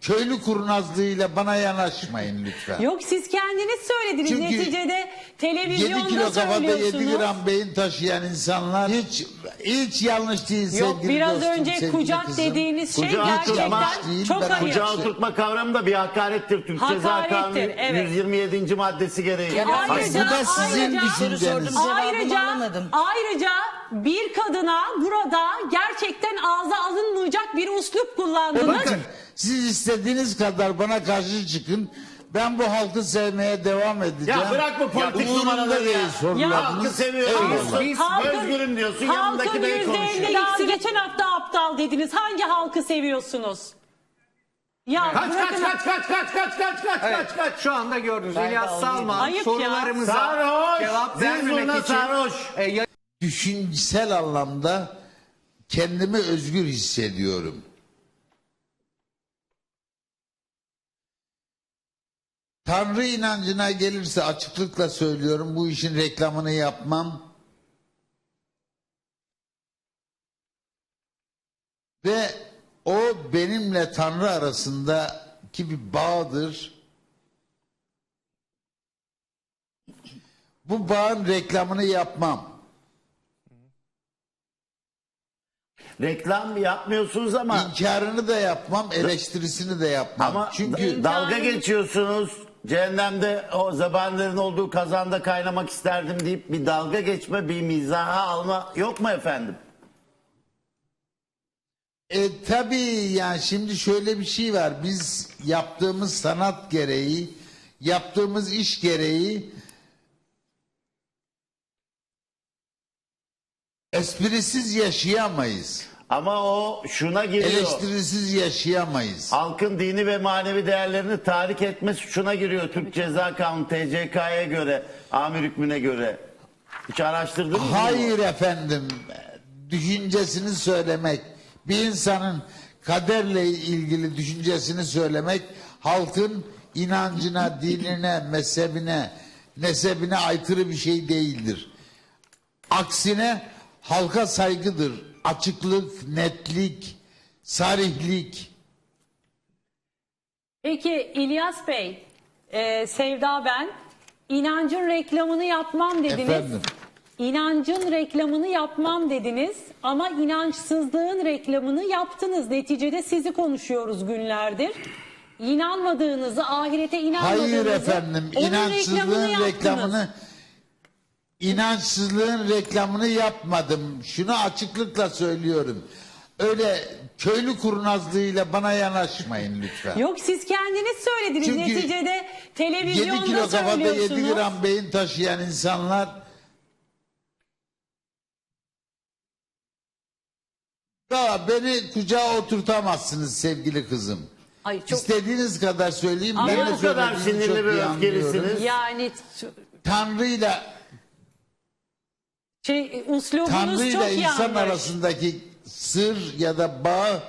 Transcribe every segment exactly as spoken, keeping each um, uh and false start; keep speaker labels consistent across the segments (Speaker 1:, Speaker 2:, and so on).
Speaker 1: köylü kurnazlığıyla bana yanaşmayın lütfen.
Speaker 2: Yok, siz kendiniz söylediniz.
Speaker 1: Çünkü
Speaker 2: Neticede
Speaker 1: yedi
Speaker 2: televizyonda
Speaker 1: kilo kafada
Speaker 2: söylüyorsunuz.
Speaker 1: yedi gram beyin taşıyan insanlar hiç hiç yanlış değil
Speaker 2: Yok,
Speaker 1: sevgili
Speaker 2: biraz
Speaker 1: dostum,
Speaker 2: önce
Speaker 1: sevgili
Speaker 2: kucak
Speaker 1: kızım.
Speaker 2: dediğiniz şey
Speaker 3: Kucağı
Speaker 2: gerçekten
Speaker 3: oturtma
Speaker 1: değil,
Speaker 2: çok
Speaker 1: ben
Speaker 2: ayıp.
Speaker 3: Kucağı oturtma kavramı da bir hakarettir. Türk Ceza
Speaker 2: Hakarettir,
Speaker 3: Kanunu
Speaker 2: evet.
Speaker 3: yüz yirmi yedinci maddesi gereği.
Speaker 2: Ayrıca,
Speaker 1: Bu da sizin
Speaker 2: ayrıca,
Speaker 1: düşünceniz.
Speaker 2: ayrıca,
Speaker 4: alamadım.
Speaker 2: ayrıca bir kadına burada gerçekten ağza alınmayacak bir üslup kullandınız.
Speaker 1: Bakın siz istediğiniz kadar bana karşı çıkın. Ben bu halkı sevmeye devam edeceğim.
Speaker 3: Ya bırak bu politik
Speaker 1: Umurumda
Speaker 3: numaraları
Speaker 1: değil
Speaker 3: ya.
Speaker 1: sorularınız.
Speaker 2: Ya
Speaker 3: Halkı seviyorum
Speaker 1: Eyvallah.
Speaker 3: diyorsun. Özgürüm diyorsun. Yanındaki
Speaker 2: halkın
Speaker 3: bey
Speaker 2: yüzde
Speaker 3: konuşuyor.
Speaker 2: elli daha geçen hafta aptal dediniz. Hangi halkı seviyorsunuz? Ya
Speaker 3: Kaç kaç
Speaker 2: bırakın-
Speaker 3: kaç kaç kaç kaç kaç kaç
Speaker 5: Evet,
Speaker 3: kaç kaç.
Speaker 5: şu anda gördünüz
Speaker 4: Ben de
Speaker 5: İlyas
Speaker 4: alayım.
Speaker 5: Salman
Speaker 2: Ayıp ya.
Speaker 5: sorularımıza
Speaker 3: Sarhoş.
Speaker 5: cevap
Speaker 3: Siz
Speaker 5: vermemek
Speaker 3: buna
Speaker 5: için
Speaker 3: sarhoş.
Speaker 5: e, ya-
Speaker 1: Düşünsel anlamda kendimi özgür hissediyorum. Tanrı inancına gelirse açıklıkla söylüyorum, bu işin reklamını yapmam. Ve o benimle Tanrı arasındaki bir bağdır. Bu bağın reklamını yapmam.
Speaker 3: Reklam yapmıyorsunuz ama
Speaker 1: İnkarını da yapmam, eleştirisini de yapmam.
Speaker 3: ama
Speaker 1: Çünkü
Speaker 3: dalga geçiyorsunuz. Cehennemde o zebanilerin olduğu kazanda kaynamak isterdim deyip bir dalga geçme, bir mizaha alma yok mu efendim?
Speaker 1: E tabii yani şimdi şöyle bir şey var. Biz yaptığımız sanat gereği, yaptığımız iş gereği esprisiz yaşayamayız.
Speaker 3: Ama o şuna giriyor.
Speaker 1: Eleştirisiz yaşayamayız.
Speaker 3: Halkın dini ve manevi değerlerini tahrik etme suçuna giriyor Türk Ceza Kanunu T C K'ya göre, amir hükmüne göre. Hiç araştırdınız mı?
Speaker 1: Hayır efendim. Düşüncesini söylemek, bir insanın kaderle ilgili düşüncesini söylemek halkın inancına, dinine, mezhebine, nesebine aykırı bir şey değildir. Aksine halka saygıdır. Açıklık, netlik, sarihlik.
Speaker 2: Peki İlyas Bey, e, Sevda ben, inancın reklamını yapmam dediniz.
Speaker 1: Efendim?
Speaker 2: İnancın reklamını yapmam dediniz ama inançsızlığın reklamını yaptınız. Neticede sizi konuşuyoruz günlerdir. İnanmadığınızı, ahirete inanmadığınızı,
Speaker 1: Hayır efendim,
Speaker 2: onun
Speaker 1: inançsızlığın
Speaker 2: yaptınız.
Speaker 1: reklamını inançsızlığın reklamını yapmadım. Şunu açıklıkla söylüyorum. Öyle köylü kurnazlığıyla bana yanaşmayın lütfen.
Speaker 2: Yok, siz kendiniz söylediniz.
Speaker 1: Çünkü
Speaker 2: Neticede
Speaker 1: yedi
Speaker 2: televizyonda
Speaker 1: kilo kafada
Speaker 2: söylüyorsunuz.
Speaker 1: yedi gram beyin taşıyan insanlar daha beni kucağa oturtamazsınız sevgili kızım.
Speaker 2: Ay çok
Speaker 1: İstediğiniz kadar söyleyeyim.
Speaker 2: Ama
Speaker 1: ben de
Speaker 3: bu kadar
Speaker 1: söylediğinizi
Speaker 3: sinirli
Speaker 1: çok
Speaker 3: ve
Speaker 1: iyi
Speaker 3: öfkelisiniz.
Speaker 1: anlıyorum.
Speaker 2: yani
Speaker 1: Tanrı'yla
Speaker 2: şey uslubunuz
Speaker 1: Tanrı'yla
Speaker 2: çok
Speaker 1: insan
Speaker 2: yanlış.
Speaker 1: arasındaki sır ya da bağ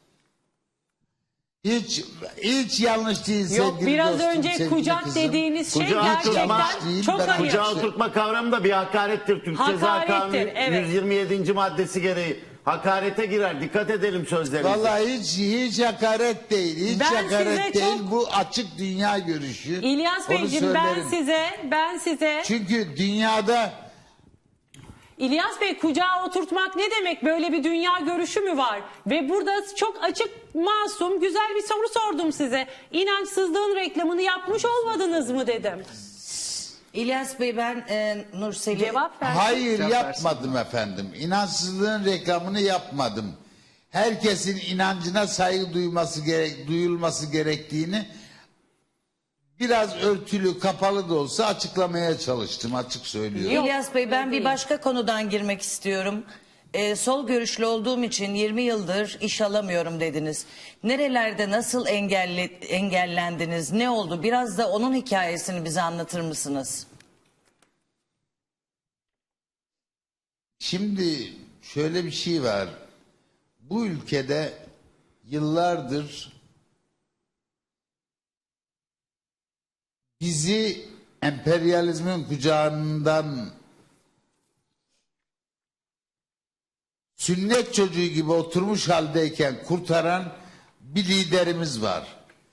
Speaker 1: hiç hiç yanlış değil sevgili
Speaker 2: Yok, biraz
Speaker 1: dostum,
Speaker 2: önce
Speaker 1: sevgili
Speaker 2: kucak
Speaker 1: kızım.
Speaker 2: dediğiniz şey
Speaker 3: Kucağı
Speaker 2: gerçekten
Speaker 1: oturtma değil,
Speaker 2: çok
Speaker 1: ben
Speaker 2: ayıp.
Speaker 3: Kucağı oturtma kavramı da bir hakarettir. Türk Ceza
Speaker 2: Hakarettir,
Speaker 3: Kanunu
Speaker 2: evet.
Speaker 3: yüz yirmi yedinci maddesi gereği. Hakarete girer. Dikkat edelim sözlerimize.
Speaker 1: Vallahi hiç hiç hakaret değil. Hiç
Speaker 2: Ben size
Speaker 1: hakaret değil.
Speaker 2: çok-
Speaker 1: Bu açık dünya görüşü.
Speaker 2: İlyas
Speaker 1: Onu
Speaker 2: Beyciğim, ben
Speaker 1: söylerim.
Speaker 2: size ben size
Speaker 1: Çünkü dünyada
Speaker 2: İlyas Bey, kucağa oturtmak ne demek? Böyle bir dünya görüşü mü var? Ve burada çok açık, masum, güzel bir soru sordum size. İnançsızlığın reklamını yapmış olmadınız mı dedim.
Speaker 4: İlyas Bey, ben e, Nursel'i...
Speaker 2: Cevap ver.
Speaker 1: hayır
Speaker 5: Cevap
Speaker 1: yapmadım efendim. İnançsızlığın reklamını yapmadım. Herkesin inancına saygı duyması gerek, duyulması gerektiğini biraz örtülü, kapalı da olsa açıklamaya çalıştım, açık söylüyorum.
Speaker 2: Yok,
Speaker 4: İlyas Bey, ben
Speaker 2: değil.
Speaker 4: bir başka konudan girmek istiyorum. Ee, sol görüşlü olduğum için yirmi yıldır iş alamıyorum dediniz. Nerelerde nasıl engelle, engellendiniz? Ne oldu? Biraz da onun hikayesini bize anlatır mısınız?
Speaker 1: Şimdi şöyle bir şey var. Bu ülkede yıllardır bizi emperyalizmin kucağından sünnet çocuğu gibi oturmuş haldeyken kurtaran bir liderimiz var.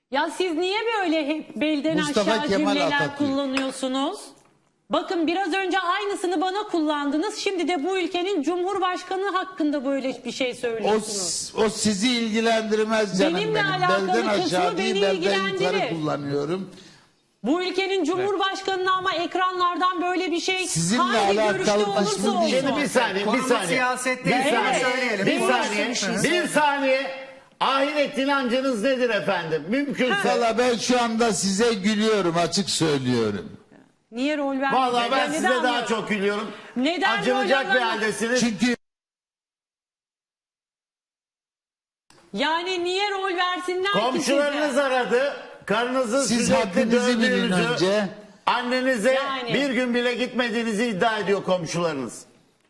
Speaker 2: Ya siz niye böyle hep belden
Speaker 1: Mustafa
Speaker 2: aşağı
Speaker 1: Kemal
Speaker 2: cümleler
Speaker 1: Atatürk.
Speaker 2: kullanıyorsunuz? Bakın biraz önce aynısını bana kullandınız. Şimdi de bu ülkenin Cumhurbaşkanı hakkında böyle bir şey
Speaker 1: O,
Speaker 2: söylüyorsunuz.
Speaker 1: o sizi ilgilendirmez canım
Speaker 2: Benimle
Speaker 1: benim.
Speaker 2: alakalı
Speaker 1: Belden aşağı
Speaker 2: kısmı
Speaker 1: değil,
Speaker 2: beni
Speaker 1: belden yukarı
Speaker 2: ilgilendirir.
Speaker 1: kullanıyorum.
Speaker 2: Bu ülkenin Cumhurbaşkanı'na ama ekranlardan böyle bir şey
Speaker 1: Sizinle
Speaker 2: hangi
Speaker 1: alakalı
Speaker 2: görüşte olursa
Speaker 1: kısmı
Speaker 2: olsun.
Speaker 1: değil.
Speaker 3: Şimdi bir saniye, bir
Speaker 5: Konumuz
Speaker 3: saniye.
Speaker 5: siyaset
Speaker 3: Bir
Speaker 5: değil,
Speaker 3: saniye,
Speaker 5: onu söyleyelim.
Speaker 3: bir
Speaker 5: Bunu
Speaker 3: saniye,
Speaker 4: bir şey
Speaker 3: bir
Speaker 4: söyle.
Speaker 3: saniye. Ahiret inancınız nedir efendim? Mümkünse.
Speaker 1: Valla ben şu anda size gülüyorum, açık söylüyorum.
Speaker 2: Niye rol vermediniz?
Speaker 3: Vallahi ben
Speaker 2: Neden
Speaker 3: size daha
Speaker 2: anlıyorum?
Speaker 3: çok gülüyorum.
Speaker 2: Neden
Speaker 3: Acınacak
Speaker 2: rol
Speaker 3: bir
Speaker 2: alama-
Speaker 3: haldesiniz.
Speaker 1: Çünkü
Speaker 2: Yani niye rol versinler ki
Speaker 3: Komşularınız
Speaker 2: size?
Speaker 3: aradı. Karınızın
Speaker 1: Siz
Speaker 3: sürekli
Speaker 1: haddinizi bilin
Speaker 3: dövdüğünüzü,
Speaker 1: önce.
Speaker 3: annenize
Speaker 2: Yani.
Speaker 3: bir gün bile gitmediğinizi iddia ediyor komşularınız.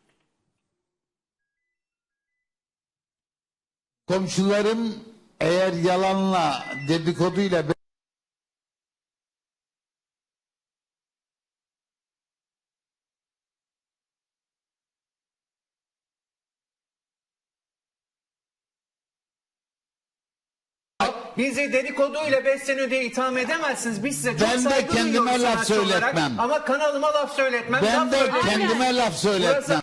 Speaker 1: komşularım eğer yalanla, dedikoduyla
Speaker 5: Bizi dedikoduyla besleniyor diye itham edemezsiniz. Biz size çok
Speaker 1: Ben de
Speaker 5: saygı
Speaker 1: kendime
Speaker 5: duyuyoruz
Speaker 1: laf
Speaker 5: sanatçı olarak.
Speaker 1: söyletmem.
Speaker 5: Ama kanalıma laf söyletmem.
Speaker 1: ben
Speaker 5: laf
Speaker 1: de
Speaker 5: söyletmem.
Speaker 1: kendime laf söyletmem.
Speaker 5: Burası-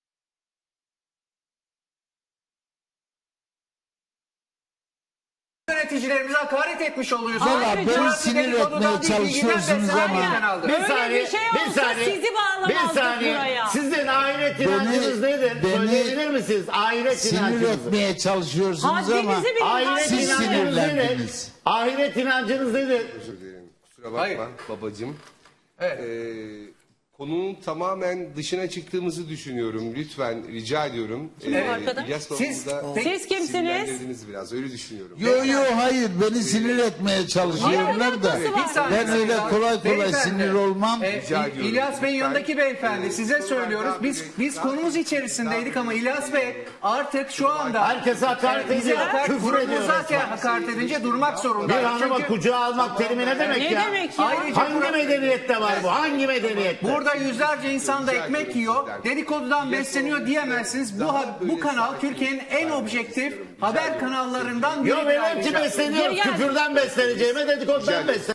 Speaker 5: Yöneticilerimize hakaret etmiş oluyorsunuz.
Speaker 1: Valla
Speaker 2: Ayrıca-
Speaker 1: beni
Speaker 5: Burası
Speaker 1: sinir
Speaker 5: dedikodudan
Speaker 1: etmeye
Speaker 5: değil, bilgiden
Speaker 1: çalışıyorsunuz
Speaker 5: beslenen
Speaker 1: ama
Speaker 5: bir kanaldır.
Speaker 3: Bir
Speaker 2: Böyle
Speaker 3: saniye,
Speaker 2: bir şey
Speaker 3: bir
Speaker 2: olsa
Speaker 3: saniye,
Speaker 2: sizi bağlamazdık
Speaker 3: bir saniye.
Speaker 2: buraya.
Speaker 3: Sizin ahiret inancınız nedir?
Speaker 1: beni
Speaker 3: Söyleyebilir misiniz? Ahiret
Speaker 1: sinir
Speaker 3: inancınızı.
Speaker 1: etmeye çalışıyorsunuz ama
Speaker 2: Haddinizi bilin.
Speaker 3: Ahiret
Speaker 1: Siz
Speaker 2: haddinizi.
Speaker 3: inancınız nedir?
Speaker 1: sinirlendiniz.
Speaker 3: Ahiret inancınız nedir?
Speaker 6: Özür dilerim. Kusura bakma
Speaker 5: Hayır.
Speaker 6: babacığım.
Speaker 5: Evet.
Speaker 6: Ee, konunun tamamen dışına çıktığımızı düşünüyorum. Lütfen rica ediyorum.
Speaker 2: Kim o arkada?
Speaker 6: İlyas
Speaker 5: Siz-
Speaker 6: babamı da
Speaker 2: Siz kimsiniz?
Speaker 6: sinirlendirdiniz biraz. Öyle düşünüyorum.
Speaker 1: Yo yo hayır beni sinir etmeye çalışıyorlar da
Speaker 2: alakası var?
Speaker 5: Bir saniye
Speaker 1: ben öyle
Speaker 5: Sayın
Speaker 1: kolay kolay
Speaker 5: Beyefendi,
Speaker 1: sinir olmam.
Speaker 5: e,
Speaker 6: Rica
Speaker 5: İ-
Speaker 6: ediyorum.
Speaker 5: İlyas Bey'in
Speaker 6: Lütfen.
Speaker 5: yanındaki beyefendi
Speaker 6: Ee,
Speaker 5: size
Speaker 6: sorular
Speaker 5: söylüyoruz.
Speaker 6: daha
Speaker 5: Biz
Speaker 6: böyle-
Speaker 5: biz
Speaker 6: daha
Speaker 5: konumuz
Speaker 6: böyle-
Speaker 5: içerisindeydik
Speaker 6: daha
Speaker 5: ama
Speaker 6: böyle-
Speaker 5: İlyas Bey artık şu anda
Speaker 3: Herkese hakaret
Speaker 5: e, bize
Speaker 3: ediyor,
Speaker 5: hakaret,
Speaker 3: küfür ediyor
Speaker 5: grubumuza
Speaker 3: resmen.
Speaker 5: hakaret edince durmak
Speaker 3: Bir
Speaker 5: zorundayız.
Speaker 3: hanıma
Speaker 5: Çünkü
Speaker 3: kucağa almak terimi ne demek
Speaker 2: Ne
Speaker 3: ya?
Speaker 2: demek ya?
Speaker 5: Ayrıca
Speaker 3: Hangi
Speaker 5: bura-
Speaker 3: medeniyette var bu? Hangi medeniyette?
Speaker 5: burada yüzlerce insan da ekmek yiyor. Dedikodudan besleniyor diyemezsiniz. Bu ha- bu kanal Türkiye'nin en objektif haber kanallarından biri.
Speaker 3: Yo benim ki besleniyorum.
Speaker 2: Gel, gel.
Speaker 3: Küfürden besleneceğime dedikodudan besleneceğim.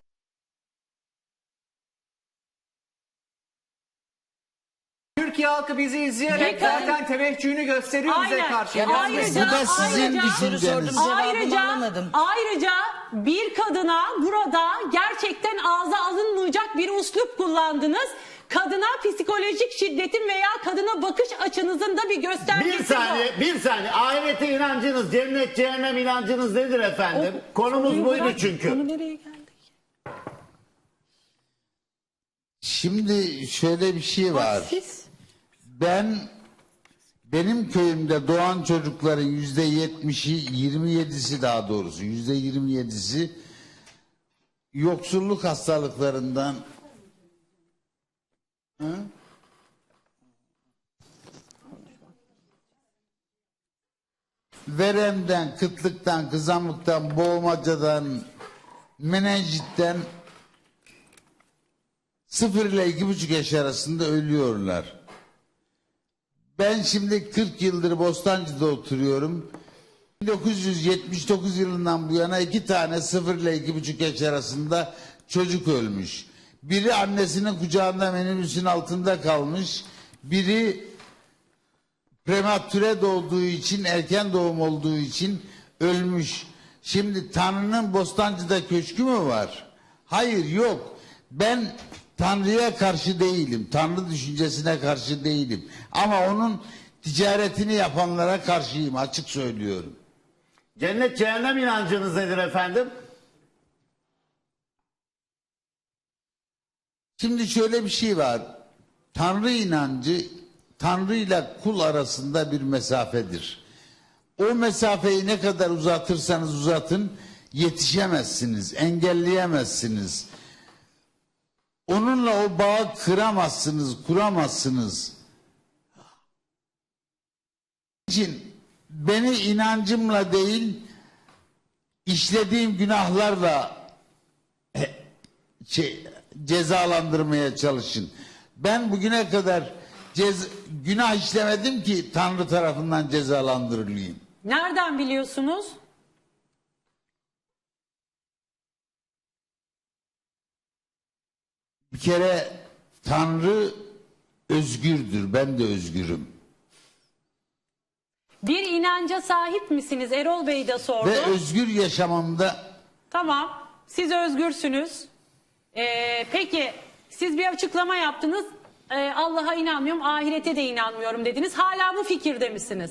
Speaker 5: Türkiye halkı bizi izleyerek
Speaker 2: Bakın.
Speaker 5: zaten teveccühünü gösteriyor bize
Speaker 2: Aynen.
Speaker 5: karşı.
Speaker 2: Ya
Speaker 5: İlyas
Speaker 2: ayrıca-
Speaker 5: Bey.
Speaker 1: Bu da sizin
Speaker 2: ayrıca-
Speaker 1: düşünceniz.
Speaker 4: Soru sordum. Cevabımı
Speaker 2: Ayrıca,
Speaker 4: alamadım.
Speaker 2: ayrıca bir kadına burada gerçekten ağza alınmayacak bir uslup kullandınız. Kadına psikolojik şiddetin veya kadına bakış açınızın da bir göstergesi
Speaker 3: Bir saniye,
Speaker 2: bu.
Speaker 3: bir saniye. Ahirete inancınız, cennet, cehennem inancınız nedir efendim? Konumuz
Speaker 2: Soruyu
Speaker 3: buydu
Speaker 2: bırak,
Speaker 3: çünkü.
Speaker 2: konu nereye geldik?
Speaker 1: Şimdi şöyle bir şey var.
Speaker 2: Siz
Speaker 1: Ben benim köyümde doğan çocukların yüzde yetmişi, yirmi yedisi daha doğrusu yüzde yirmi yedisi yoksulluk hastalıklarından Hı? veremden, kıtlıktan, kızamıktan, boğmacadan, menenjitten sıfır ile iki buçuk yaş arasında ölüyorlar. Ben şimdi kırk yıldır Bostancı'da oturuyorum. bin dokuz yüz yetmiş dokuz yılından bu yana iki tane sıfır ile iki buçuk yaş arasında çocuk ölmüş. Biri annesinin kucağında minibüsün altında kalmış. Biri prematüre doğduğu için, erken doğum olduğu için ölmüş. Şimdi Tanrı'nın Bostancı'da köşkü mü var? Hayır, yok. Ben Tanrı'ya karşı değilim. Tanrı düşüncesine karşı değilim. Ama onun ticaretini yapanlara karşıyım, açık söylüyorum.
Speaker 3: Cennet, cehennem inancınız nedir efendim?
Speaker 1: Şimdi şöyle bir şey var. Tanrı inancı Tanrı ile kul arasında bir mesafedir. O mesafeyi ne kadar uzatırsanız uzatın yetişemezsiniz, engelleyemezsiniz. Onunla o bağı kıramazsınız, kuramazsınız. için beni inancımla değil, işlediğim günahlarla e, şey, cezalandırmaya çalışın. Ben bugüne kadar cez, günah işlemedim ki Tanrı tarafından cezalandırılayım.
Speaker 2: nereden biliyorsunuz?
Speaker 1: Bir kere Tanrı özgürdür. Ben de özgürüm.
Speaker 2: Bir inanca sahip misiniz? Erol Bey de sordu.
Speaker 1: Ve özgür yaşamamda
Speaker 2: Tamam. Siz özgürsünüz. Ee, peki siz bir açıklama yaptınız. Ee, Allah'a inanmıyorum, ahirete de inanmıyorum dediniz. Hala bu fikirde misiniz?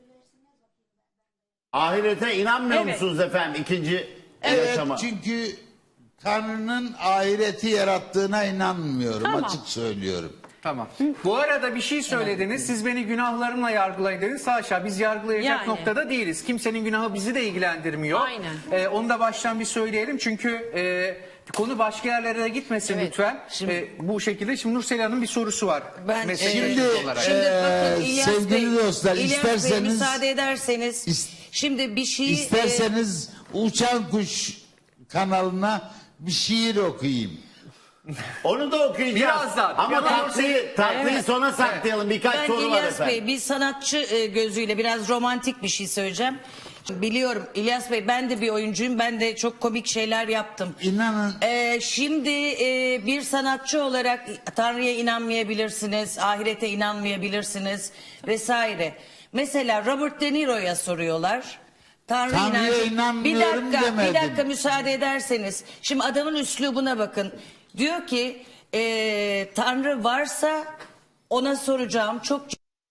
Speaker 3: Ahirete inanmıyor
Speaker 2: Evet.
Speaker 3: musunuz efendim ikinci
Speaker 1: evet,
Speaker 3: yaşama?
Speaker 1: çünkü Tanrı'nın ahireti yarattığına inanmıyorum.
Speaker 2: Tamam.
Speaker 1: Açık söylüyorum.
Speaker 5: Tamam. Bu arada bir şey söylediniz. Siz beni günahlarımla yargılayın dediniz. Haşa, biz yargılayacak
Speaker 2: Yani.
Speaker 5: noktada değiliz. Kimsenin günahı bizi de ilgilendirmiyor.
Speaker 2: Aynen.
Speaker 5: Ee, onu da baştan bir söyleyelim. Çünkü e, konu başka yerlere de gitmesin
Speaker 4: Evet.
Speaker 5: lütfen.
Speaker 4: Şimdi-
Speaker 5: Ee, bu şekilde şimdi Nursel Hanım bir sorusu var.
Speaker 4: Ben,
Speaker 5: Meslek
Speaker 4: e,
Speaker 1: Şimdi,
Speaker 5: meselesi olarak.
Speaker 1: e,
Speaker 4: Şimdi bakın
Speaker 1: Ee,
Speaker 4: İlyas
Speaker 1: sevgili
Speaker 4: Bey,
Speaker 1: dostlar,
Speaker 4: İlyas Bey
Speaker 1: isterseniz-
Speaker 4: müsaade ederseniz
Speaker 1: İst-
Speaker 4: şimdi bir şey
Speaker 1: İsterseniz Uçan Kuş kanalına bir şiir okuyayım.
Speaker 3: Onu da okuyacağız.
Speaker 5: Birazdan,
Speaker 3: Ama
Speaker 5: birazdan.
Speaker 3: tatlıyı, tatlıyı
Speaker 4: Evet.
Speaker 3: sona saklayalım. Birkaç
Speaker 4: Ben
Speaker 3: soru var
Speaker 4: İlyas
Speaker 3: efendim.
Speaker 4: Bey bir sanatçı e, gözüyle biraz romantik bir şey söyleyeceğim. Biliyorum İlyas Bey, ben de bir oyuncuyum. Ben de çok komik şeyler yaptım.
Speaker 1: İnanın
Speaker 4: Ee, şimdi e, bir sanatçı olarak Tanrı'ya inanmayabilirsiniz, ahirete inanmayabilirsiniz vesaire. Mesela Robert De Niro'ya soruyorlar. Tanrı
Speaker 1: Tanrı'ya
Speaker 4: inancı-
Speaker 1: inanmıyorum
Speaker 4: bir dakika,
Speaker 1: demedim.
Speaker 4: bir dakika müsaade ederseniz. Şimdi adamın üslubuna bakın. Diyor ki e, Tanrı varsa ona soracağım çok.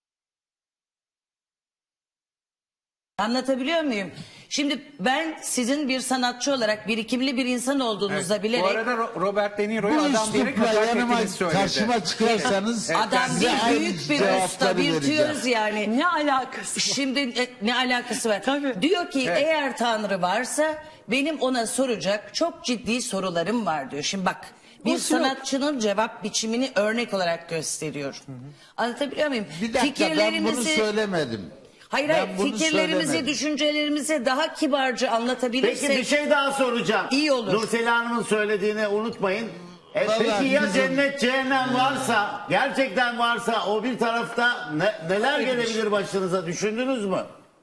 Speaker 4: Anlatabiliyor muyum? Şimdi ben sizin bir sanatçı olarak birikimli bir insan olduğunuzda
Speaker 5: Evet.
Speaker 4: bilerek
Speaker 5: Bu arada Ro- Robert De Niro'yu
Speaker 1: bu
Speaker 5: adam diyerek
Speaker 1: üslupla
Speaker 5: hakaret
Speaker 1: yanıma
Speaker 5: ettiğini söyledi.
Speaker 1: karşıma çıkarsanız
Speaker 4: adam
Speaker 1: size
Speaker 4: bir
Speaker 1: aynı
Speaker 4: büyük bir
Speaker 1: cevapları
Speaker 4: usta, bir
Speaker 1: vereceğim.
Speaker 4: tüyoz yani.
Speaker 2: Ne alakası var?
Speaker 4: Şimdi e, ne alakası var?
Speaker 2: Tabii.
Speaker 4: Diyor ki
Speaker 5: Evet.
Speaker 4: eğer Tanrı varsa benim ona soracak çok ciddi sorularım var diyor. Şimdi bak bir
Speaker 2: Boşu yok.
Speaker 4: sanatçının cevap biçimini örnek olarak gösteriyor. Anlatabiliyor muyum?
Speaker 1: Bir dakika ben bunu söylemedim.
Speaker 4: Hayır
Speaker 1: Ben
Speaker 4: hayır
Speaker 1: bunu
Speaker 4: fikirlerimizi,
Speaker 1: söylemedim.
Speaker 4: düşüncelerimizi daha kibarca anlatabilirsek.
Speaker 3: Peki bir şey daha soracağım.
Speaker 4: İyi olur.
Speaker 3: Nursel Hanım'ın söylediğini unutmayın. E,
Speaker 1: Vallahi
Speaker 3: peki ya
Speaker 1: bizim-
Speaker 3: cennet cehennem varsa, gerçekten varsa o bir tarafta ne- neler gelebilir başınıza düşündünüz mü?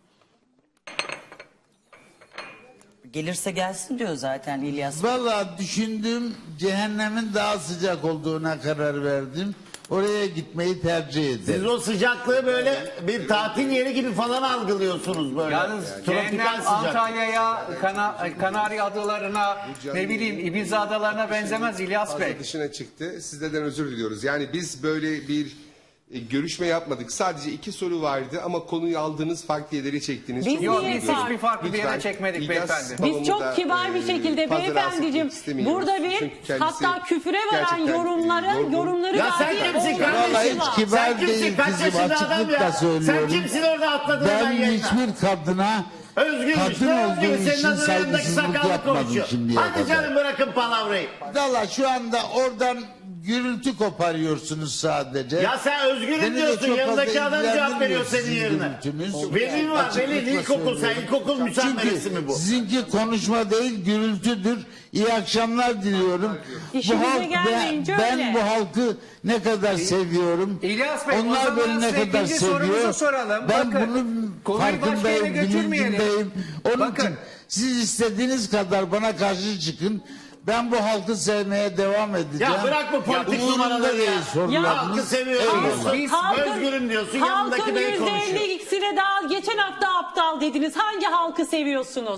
Speaker 4: Gelirse gelsin diyor zaten İlyas Bey.
Speaker 1: Vallahi düşündüm, cehennemin daha sıcak olduğuna karar verdim. Oraya gitmeyi tercih
Speaker 3: Siz
Speaker 1: ederim.
Speaker 3: o sıcaklığı böyle bir tatil yeri gibi falan algılıyorsunuz böyle.
Speaker 5: Yalnız
Speaker 3: Tropikal
Speaker 5: cehennem
Speaker 3: sıcak.
Speaker 5: Antalya'ya, Kana, Kanarya adalarına, ne bileyim Ibiza adalarına benzemez İlyas
Speaker 6: Fazla
Speaker 5: Bey.
Speaker 6: dışına çıktı. Sizlerden özür diliyoruz. Yani biz böyle bir e, görüşme yapmadık. Sadece iki soru vardı ama konuyu aldığınız farklı yerlere çektiniz.
Speaker 2: Biz
Speaker 6: Çok
Speaker 5: Yok
Speaker 2: niye
Speaker 5: biz
Speaker 6: özür
Speaker 2: fark-
Speaker 5: hiçbir farklı bir yere
Speaker 6: Lütfen,
Speaker 5: çekmedik
Speaker 6: İlyas
Speaker 5: beyefendi.
Speaker 6: Babamı
Speaker 2: Biz çok
Speaker 6: da,
Speaker 2: kibar bir
Speaker 6: e,
Speaker 2: şekilde
Speaker 6: fazla rahatsız
Speaker 2: beyefendiciğim
Speaker 6: etmek istemiyoruz.
Speaker 2: burada bir
Speaker 6: Çünkü kendisi
Speaker 2: hatta küfüre varan
Speaker 6: gerçekten
Speaker 2: yorumları
Speaker 6: yorgun.
Speaker 2: yorumları
Speaker 3: Ya sen
Speaker 2: dahi
Speaker 3: kimsin
Speaker 2: olmaması
Speaker 3: kardeşim?
Speaker 1: Vallahi
Speaker 2: var.
Speaker 1: hiç kibar
Speaker 3: Sen kimsin?
Speaker 1: değil
Speaker 3: Kaç
Speaker 1: kızım,
Speaker 3: yaşında adam
Speaker 1: açıklıkla
Speaker 3: ya?
Speaker 1: söylüyorum.
Speaker 3: Sen kimsin orada atladın
Speaker 1: Ben
Speaker 3: ben yayına?
Speaker 1: hiçbir kadına
Speaker 3: Özgürmüş.
Speaker 1: kadın
Speaker 3: Ne
Speaker 1: olduğu
Speaker 3: özgür? Senin
Speaker 1: için
Speaker 3: adın yanındaki
Speaker 1: saygısızlık
Speaker 3: sakallı
Speaker 1: yapmadım
Speaker 3: konuşuyor.
Speaker 1: şimdiye
Speaker 3: Hadi
Speaker 1: kadar.
Speaker 3: canım bırakın palavrayı.
Speaker 1: Valla şu anda oradan gürültü koparıyorsunuz sadece.
Speaker 3: Ya sen özgürüm
Speaker 1: Beni de
Speaker 3: diyorsun.
Speaker 1: çok
Speaker 3: Yanındaki
Speaker 1: fazla
Speaker 3: adam cevap veriyor senin
Speaker 1: sizin
Speaker 3: yerine.
Speaker 1: gürültünüz.
Speaker 3: Velin var.
Speaker 1: Açıklıkla
Speaker 3: Velin ilkokul. Sen
Speaker 1: söylüyorum.
Speaker 3: ilkokul müsammeresi mi
Speaker 1: Çünkü
Speaker 3: bu?
Speaker 1: sizinki konuşma değil gürültüdür. İyi akşamlar diliyorum.
Speaker 2: İşimize gelmeyince
Speaker 1: ben, ben
Speaker 2: öyle.
Speaker 1: bu halkı ne kadar seviyorum.
Speaker 5: İlyas Bey, o
Speaker 1: Onlar
Speaker 5: zaman
Speaker 1: beni ne
Speaker 5: size
Speaker 1: kadar
Speaker 5: ikinci sorumuzu
Speaker 1: seviyor.
Speaker 5: soralım.
Speaker 1: Ben
Speaker 5: Bakın,
Speaker 1: bunun
Speaker 5: konuyu başka yere
Speaker 1: farkındayım,
Speaker 5: götürmeyelim.
Speaker 1: bilincindeyim. Onun
Speaker 5: Bakın.
Speaker 1: için siz istediğiniz kadar bana karşı çıkın. Ben bu halkı sevmeye devam edeceğim.
Speaker 3: Ya bırak bu politik
Speaker 1: Umurumda
Speaker 3: numaraları
Speaker 1: değil
Speaker 3: ya.
Speaker 1: sorularınız.
Speaker 3: Halkı seviyorum.
Speaker 1: Eyvallah.
Speaker 3: Biz
Speaker 5: Halkın-
Speaker 3: özgürüm diyorsun. Yanındaki
Speaker 2: Halkın
Speaker 3: bey
Speaker 2: yüzde
Speaker 3: konuşuyor.
Speaker 2: elli ikisine daha geçen hafta aptal dediniz. Hangi halkı seviyorsunuz?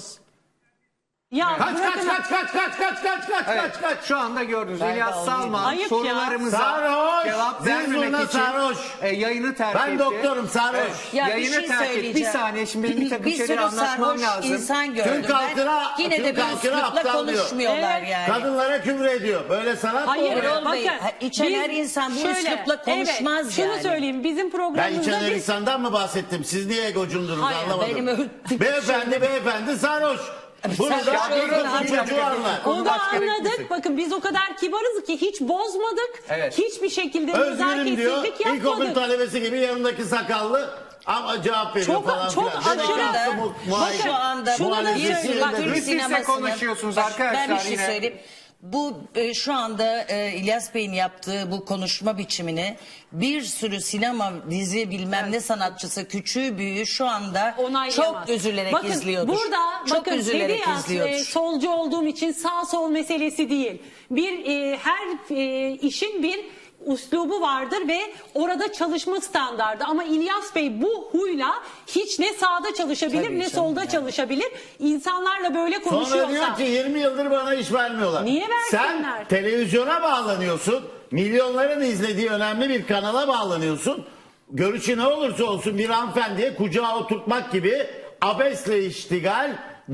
Speaker 2: Ya
Speaker 3: Kaç kaç
Speaker 2: bırakın-
Speaker 3: kaç kaç kaç kaç kaç kaç
Speaker 5: Evet,
Speaker 3: kaç kaç.
Speaker 5: şu anda gördünüz
Speaker 4: Ben de
Speaker 5: İlyas
Speaker 4: alayım.
Speaker 5: Salman
Speaker 2: Ayıp ya.
Speaker 5: sorularımıza
Speaker 3: Sarhoş,
Speaker 5: cevap
Speaker 3: zil
Speaker 5: vermemek
Speaker 3: zurna
Speaker 5: için
Speaker 3: sarhoş.
Speaker 5: e, yayını terk
Speaker 3: Ben
Speaker 5: etti.
Speaker 3: doktorum, sarhoş.
Speaker 4: Ya bir
Speaker 5: yayını
Speaker 4: şey
Speaker 5: terk etti. Bir
Speaker 4: söyleyeceğim.
Speaker 5: saniye şimdi benim bir takım şeyleri
Speaker 4: sürü
Speaker 5: anlatmam
Speaker 4: sarhoş
Speaker 5: lazım.
Speaker 4: insan gördüm.
Speaker 3: Türk halkına-
Speaker 4: ben. Yine
Speaker 3: Türk
Speaker 4: de bir
Speaker 3: halkına
Speaker 4: üslupla
Speaker 3: aptal diyor.
Speaker 4: konuşmuyorlar
Speaker 2: Evet.
Speaker 4: yani.
Speaker 3: Kadınlara küfür ediyor. Böyle sanat mı
Speaker 2: Hayır,
Speaker 3: olur?
Speaker 4: Erol Bey,
Speaker 2: bakın,
Speaker 4: ha, içen
Speaker 2: biz
Speaker 4: her insan bu
Speaker 2: şöyle,
Speaker 4: üslupla konuşmaz
Speaker 2: evet, şunu
Speaker 4: yani.
Speaker 2: söyleyeyim bizim
Speaker 3: Ben
Speaker 2: programımızda
Speaker 3: içen her
Speaker 2: biz
Speaker 3: insandan mı bahsettim? Siz niye egocundunuz
Speaker 2: Hayır,
Speaker 3: anlamadım.
Speaker 4: benim öyle-
Speaker 3: Beyefendi beyefendi sarhoş. Bunu da
Speaker 4: Sarhoş
Speaker 3: bir
Speaker 4: olan
Speaker 3: kızın
Speaker 4: hangi-
Speaker 3: çocuğu anlar.
Speaker 2: onu
Speaker 5: başka yere
Speaker 2: anladık.
Speaker 5: gitmesek.
Speaker 2: Bakın biz o kadar kibarız ki hiç bozmadık.
Speaker 5: Evet.
Speaker 2: Hiçbir şekilde
Speaker 3: Özgürüm diyor.
Speaker 2: nezaketsizlik
Speaker 3: İlkokul
Speaker 2: yapmadık.
Speaker 3: talebesi gibi yanındaki sakallı ama cevap veriyor
Speaker 2: Çok-
Speaker 3: falan
Speaker 2: çok
Speaker 3: filan.
Speaker 2: aşırı-
Speaker 3: Demek ki bu muayene-
Speaker 4: Şu anda
Speaker 2: şunu da
Speaker 4: bir
Speaker 2: söyleyeyim.
Speaker 4: sürü
Speaker 2: Bak,
Speaker 4: Türk
Speaker 5: üst üste
Speaker 4: sinemasının...
Speaker 5: konuşuyorsunuz
Speaker 4: Bak,
Speaker 5: arkadaşlar
Speaker 4: Ben bir şey
Speaker 5: yine.
Speaker 4: söyleyeyim. Bu e, şu anda e, İlyas Bey'in yaptığı bu konuşma biçimini bir sürü sinema, dizi bilmem ne sanatçısı küçüğü büyüğü şu anda
Speaker 2: Onaylayamaz.
Speaker 4: çok üzülerek
Speaker 2: bakın,
Speaker 4: izliyordur.
Speaker 2: Burada
Speaker 4: çok
Speaker 2: bakın
Speaker 4: üzülerek
Speaker 2: dedi ya,
Speaker 4: izliyordur.
Speaker 2: e, solcu olduğum için sağ sol meselesi değil. Bir e, her e, işin bir üslubu vardır ve orada çalışma standardı. Ama İlyas Bey bu huyla hiç ne sağda çalışabilir
Speaker 4: Tabii
Speaker 2: ne
Speaker 4: canım
Speaker 2: solda
Speaker 4: yani.
Speaker 2: çalışabilir. İnsanlarla böyle
Speaker 3: Sonra
Speaker 2: konuşuyorsa.
Speaker 3: diyor ki yirmi yıldır bana iş vermiyorlar.
Speaker 2: Niye versinler?
Speaker 3: Sen televizyona bağlanıyorsun. Milyonların izlediği önemli bir kanala bağlanıyorsun. Görüşü ne olursa olsun bir hanımefendiye kucağa oturtmak gibi abesle iştigal,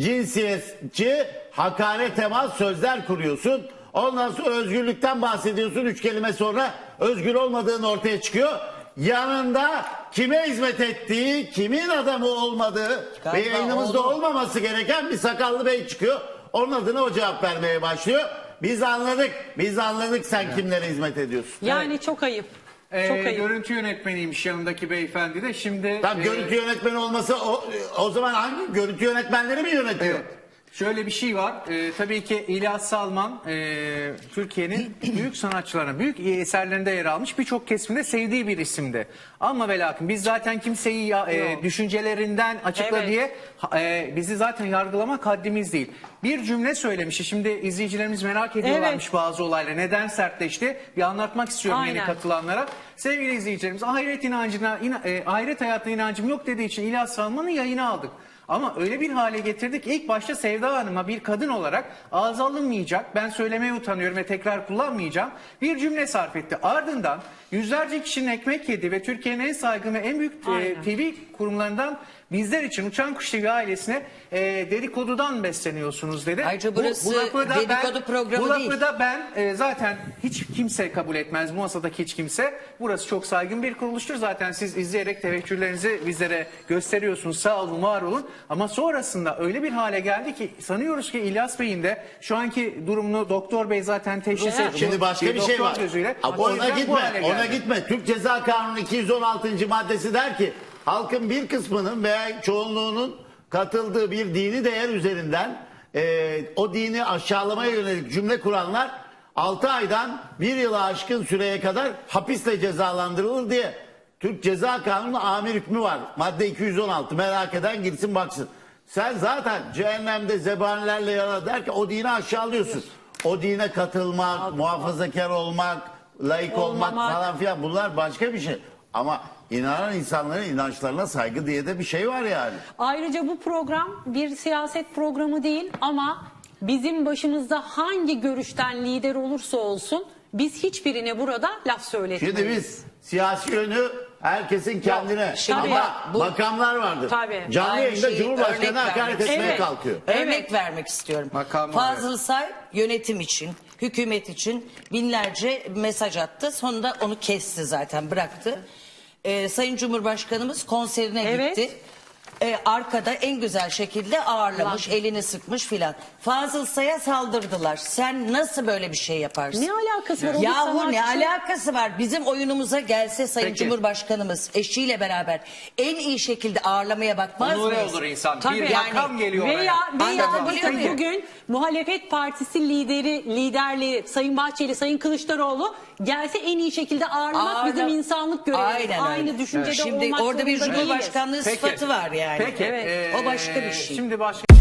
Speaker 3: cinsiyetçi, hakaret temas sözler kuruyorsun. Ondan sonra özgürlükten bahsediyorsun. Üç kelime sonra özgür olmadığın ortaya çıkıyor. Yanında kime hizmet ettiği, kimin adamı olmadığı
Speaker 4: Galiba
Speaker 3: ve yayınımızda
Speaker 4: oldu.
Speaker 3: olmaması gereken bir sakallı bey çıkıyor. Onun adına o cevap vermeye başlıyor. Biz anladık, biz anladık sen kimlere hizmet ediyorsun.
Speaker 2: Yani çok ayıp.
Speaker 5: Ee,
Speaker 2: çok ayıp.
Speaker 5: görüntü yönetmeniymiş yanındaki beyefendi de. Şimdi
Speaker 3: Tam
Speaker 5: e,
Speaker 3: görüntü yönetmeni olmasa o, o zaman hangi görüntü yönetmenleri mi yönetiyor?
Speaker 5: Evet. Şöyle bir şey var. Ee, tabii ki İlyas Salman e, Türkiye'nin büyük sanatçılarına, büyük eserlerinde yer almış, birçok kesimde sevdiği bir isimdi. Ama ve lakin biz zaten kimseyi ya, e, düşüncelerinden açıkla
Speaker 2: Evet.
Speaker 5: diye e, bizi zaten yargılamak haddimiz değil. Bir cümle söylemişti. Şimdi izleyicilerimiz merak ediyorlarmış
Speaker 2: Evet.
Speaker 5: bazı olayları. Neden sertleşti? Bir anlatmak istiyorum yeni
Speaker 2: Aynen.
Speaker 5: katılanlara. Sevgili izleyicilerimiz, ahiret inancına, ina, e, ahiret hayatına inancım yok dediği için İlyas Salman'ı yayına aldık. Ama öyle bir hale getirdik. İlk başta Sevda Hanım'a bir kadın olarak ağza alınmayacak, ben söylemeye utanıyorum ve tekrar kullanmayacağım, bir cümle sarf etti. Ardından yüzlerce kişinin ekmek yedi ve Türkiye'nin en saygın ve en büyük e,
Speaker 2: Aynen.
Speaker 5: T V kurumlarından bizler için Uçan Kuş T V ailesine e, dedikodudan besleniyorsunuz dedi.
Speaker 4: Ayrıca burası
Speaker 5: lafı da
Speaker 4: dedikodu
Speaker 5: ben,
Speaker 4: programı
Speaker 5: bu lafı
Speaker 4: değil.
Speaker 5: da ben e, zaten hiç kimse kabul etmez, bu masadaki hiç kimse. Burası çok saygın bir kuruluştur. Zaten siz izleyerek teveccühlerinizi bizlere gösteriyorsunuz. Sağ olun, var olun. Ama sonrasında öyle bir hale geldi ki sanıyoruz ki İlyas Bey'in de şu anki durumunu Doktor Bey zaten teşhis
Speaker 2: Evet.
Speaker 5: etti.
Speaker 3: Şimdi başka bir şey
Speaker 5: doktor
Speaker 3: var.
Speaker 5: gözüyle.
Speaker 3: Ama
Speaker 5: O
Speaker 3: ona
Speaker 5: yüzden bu
Speaker 3: gitme,
Speaker 5: hale
Speaker 3: ona
Speaker 5: geldi.
Speaker 3: gitme. Türk Ceza Kanunu iki yüz on altıncı maddesi der ki halkın bir kısmının veya çoğunluğunun katıldığı bir dini değer üzerinden e, o dini aşağılamaya yönelik cümle kuranlar altı aydan bir yıla aşkın süreye kadar hapisle cezalandırılır diye Türk Ceza Kanunu amir hükmü var. Madde iki yüz on altı, merak eden girsin baksın. Sen zaten cehennemde zebanilerle yana der ki o dini aşağılıyorsun. O dine katılmak, muhafazakar olmak, laik olmak
Speaker 2: Olmamak.
Speaker 3: falan filan bunlar başka bir şey. Ama inanan insanların inançlarına saygı diye de bir şey var yani.
Speaker 2: Ayrıca bu program bir siyaset programı değil ama bizim başımızda hangi görüşten lider olursa olsun biz hiçbirine burada laf söyletmeyiz.
Speaker 3: Şimdi biz siyasi yönü herkesin kendine.
Speaker 4: şimdi
Speaker 3: Ama
Speaker 4: bu-
Speaker 3: makamlar vardır.
Speaker 2: Tabii.
Speaker 3: Canlı
Speaker 4: Aynı
Speaker 3: yayında
Speaker 4: şeyi
Speaker 3: Cumhurbaşkanı
Speaker 4: örnek
Speaker 3: hakaret
Speaker 4: vermek
Speaker 3: etmeye
Speaker 2: Evet.
Speaker 3: kalkıyor.
Speaker 4: Örnek
Speaker 2: Evet.
Speaker 4: vermek istiyorum.
Speaker 5: Makam var,
Speaker 4: Fazıl Say yönetim için, hükümet için binlerce mesaj attı. Sonunda onu kesti zaten, bıraktı. Ee, Sayın Cumhurbaşkanımız konserine
Speaker 2: Evet.
Speaker 4: gitti. Ee, arkada en güzel şekilde ağırlamış,
Speaker 2: Ulan.
Speaker 4: elini sıkmış filan. Fazıl Say'a saldırdılar. Sen nasıl böyle bir şey yaparsın?
Speaker 2: Ne alakası var? O bir
Speaker 4: Yahu ne
Speaker 2: sanatçı.
Speaker 4: alakası var? Bizim oyunumuza gelse Sayın
Speaker 5: Peki.
Speaker 4: Cumhurbaşkanımız eşiyle beraber en iyi şekilde ağırlamaya bakmaz
Speaker 5: Onure
Speaker 4: mıyız?
Speaker 5: olur insan.
Speaker 2: Tabii.
Speaker 5: Bir
Speaker 4: Yani
Speaker 5: makam geliyor
Speaker 2: Veya,
Speaker 5: oraya.
Speaker 2: veya
Speaker 4: Anlatabiliyor
Speaker 2: bakın
Speaker 4: muyum?
Speaker 2: bugün muhalefet partisi lideri, liderleri Sayın Bahçeli, Sayın Kılıçdaroğlu gelse en iyi şekilde ağırlamak
Speaker 4: Ağırla-
Speaker 2: bizim insanlık görevimiz.
Speaker 4: Aynen öyle.
Speaker 2: Aynı düşüncede
Speaker 4: Şimdi
Speaker 2: olmak
Speaker 4: orada bir
Speaker 2: zorunda değiliz.
Speaker 4: Cumhurbaşkanlığı
Speaker 5: Peki.
Speaker 4: sıfatı var yani.
Speaker 5: Peki.
Speaker 2: Evet.
Speaker 5: ee,
Speaker 4: O başka bir şey.
Speaker 5: Şimdi başka